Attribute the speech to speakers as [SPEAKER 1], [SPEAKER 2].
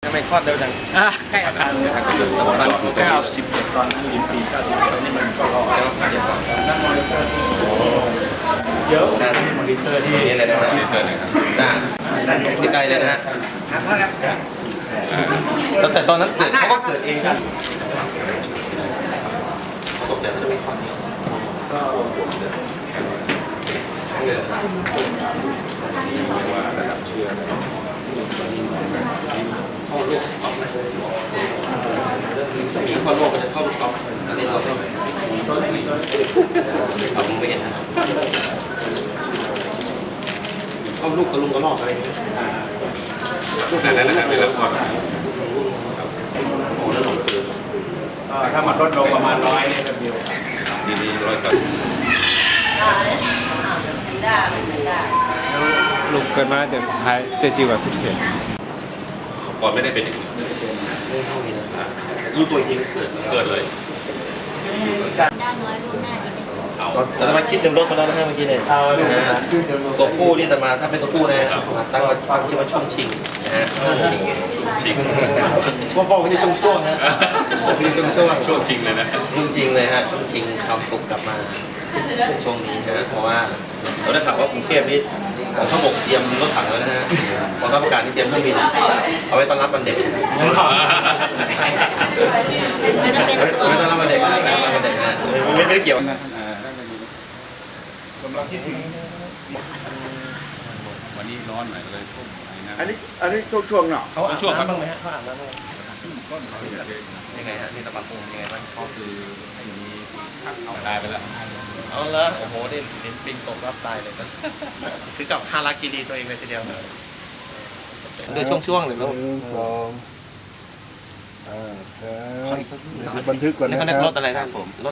[SPEAKER 1] ทำไมคลอดเร็วจังใกล้อาคารเลยครับประมาณ91ตอนนั้นปี91นี่มันก็รอ97ก่อนนั่นมอนิเตอร์เยอะนะมอนิเตอร์ที่นี่เลยนะมอนิเตอร์นะครับที่ไกลเลยนะฮะแต่ตอนนั้นเกิดเขาก็เกิดเองกันตกใจจะไม่คลอดเดียวเข้าลูกก๊อฟไหมถ้ามีเข้าลูกมันจะเข้าลูกก๊อฟอันนี้เราใช่ไหมเอาไม่เห็นนะเข้าลูกกระลุงกระลอกอะไรอย่างเงี้ยลูกแต่นั้นนะครับไม่รับก่อนโอ้แล้วหลงคือถ้ามันลดลงประมาณ100เนี่ยก็เดียวดีๆ100ครับ
[SPEAKER 2] ลูกเกิดมาแต่ท้ายเจจิว่าสุดเห็น
[SPEAKER 3] ก่อนไม่ได้เป็นอย่างนี้
[SPEAKER 1] ไม่เข้ามีนะรู้ตัวจริงเกิดเลย
[SPEAKER 4] ด้านน้อยรู้หน้าดีไหม
[SPEAKER 1] แต่ทำไมคิดเต็มรถมาแล้วนะฮะเมื่อกี้เนี่ยตัวผู้นี่แต่มาถ้าเป็นตัวผู้นะตั้งฟังชื่อว่าช่วงชิงนะฮะช่วงชิง
[SPEAKER 3] ชิง
[SPEAKER 1] พวกไม่ได้ช่วงนะไม่ได้ช่วง
[SPEAKER 3] ช่วงชิงเลยนะ
[SPEAKER 1] ช่วงชิงเลยฮะช่วงชิงความสุขกลับมาช่วงนี้นะเพราะว่าเราได้ข่าวว่ากรุงเทพนี่ข้าวบกเตรียมรถถังแล้วนะฮะกองทัพอากาศนี่เตรียมเครื่องบินเอาไว้ต้อนรับวันเด็ก
[SPEAKER 4] มันจะเป็น
[SPEAKER 1] เอาไว้ต้อนรับวันเด็กนะวันเด็กนะไม่ได้เกี่ยวนะ
[SPEAKER 3] วันนี้ร้อนหน่อยเลยพวกไอ้นะ
[SPEAKER 2] อันนี้ช่วงเนาะ
[SPEAKER 1] เขาอาบน้ำบ้างไหมฮะเขาอาบน้ำบ้างยังไงฮะนี่ตะปันปูยังไงบ้าง
[SPEAKER 3] ก็คือไอ้นี้เอาตายไปแล้ว
[SPEAKER 1] เอาละโอ้โหนี่เห็นปิงตกรับตายเลยคือกับฮาราคิรีตัวเองเลยทีเดียวด้วยช่วงๆเลยลูก
[SPEAKER 2] 2บันทึกก่อน
[SPEAKER 1] นี่
[SPEAKER 2] นะ
[SPEAKER 1] เขา
[SPEAKER 2] ค
[SPEAKER 1] เรียกร
[SPEAKER 2] รับ
[SPEAKER 1] ถอะไรท่านรถ